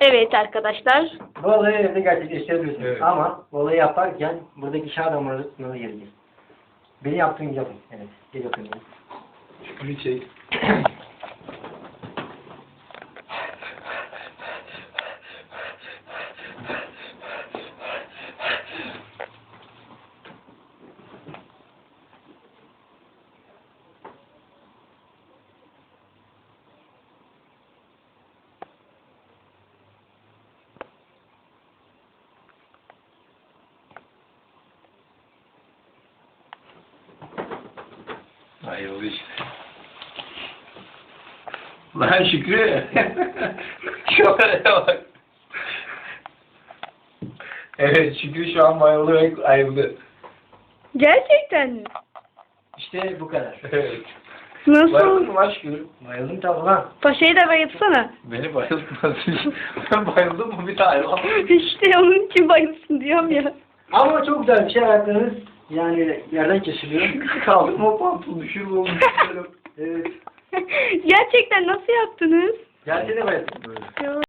Evet arkadaşlar. Bu olayı evde gerçekleştirebilirsiniz. Evet. Ama bu olayı yaparken buradaki iş adamlarına geleceğiz. Beni yaptığın gibi yapın. Evet. Gel yapın. Şükrü çek. Ayrıldı işte. Lan Şükrü. Şöyle bak. Evet Şükrü şu an bayıldı ve ayrıldı. Gerçekten mi? İşte bu kadar. Evet. Nasıl? Bayıldın mı lan Şükrü? Bayıldım tabi lan. Paşayı da bayılsana. Beni bayıltmadın. Ben bayıldım mı bir tane lan? İşte onun için bayılsın diyorum ya. Ama çok güzel bir şey ayaklarınız yani yerden kesiliyor. Kaldırma pantolonu düşürme onu istiyorum. Evet. Gerçekten nasıl yaptınız? Gelsene bayıldım. Ya.